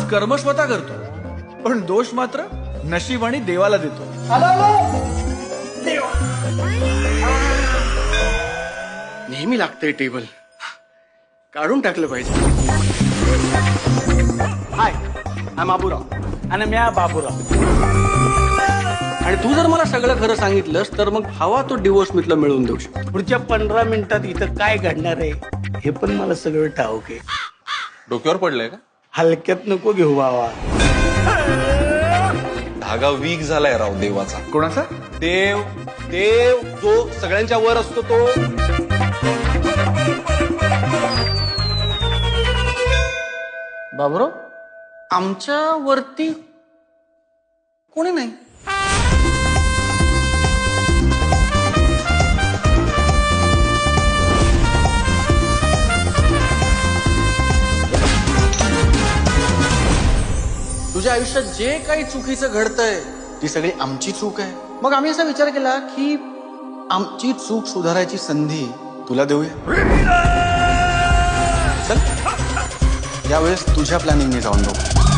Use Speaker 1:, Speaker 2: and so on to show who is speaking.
Speaker 1: कर्म स्वतः करतो, पण दोष मात्र नशीब आणि देवाला देतो.
Speaker 2: नेहमी लागतंय टेबल, काढून टाकलं पाहिजे. हाय, आय बाबूराव
Speaker 3: आणि म्या बाबूराव.
Speaker 2: आणि तू जर मला सगळं खरं सांगितलंस तर मग हवा तो डिवोर्स मी तुला मिळवून देऊ शकतो.
Speaker 3: पुढच्या 15 मिनिटात इथं काय घडणार आहे हे पण मला सगळं ठाऊक आहे.
Speaker 4: डोक्यावर पडलंय का?
Speaker 3: हलक्यात नको घेऊ बाबा.
Speaker 4: धागा वीक झालाय राव देवाचा.
Speaker 1: कोणाचा?
Speaker 4: देव देव जो सगळ्यांच्या वर असतो तो.
Speaker 2: बाबूराव, आमच्या वरती कोणी नाही. तुझ्या आयुष्यात जे काही चुकीचं घडतंय ती सगळी आमची चूक आहे. मग आम्ही असा विचार केला की आमची चूक सुधारायची संधी तुला देऊया. चल, यावेळेस तुझ्या प्लॅनिंगने जाऊन बघू.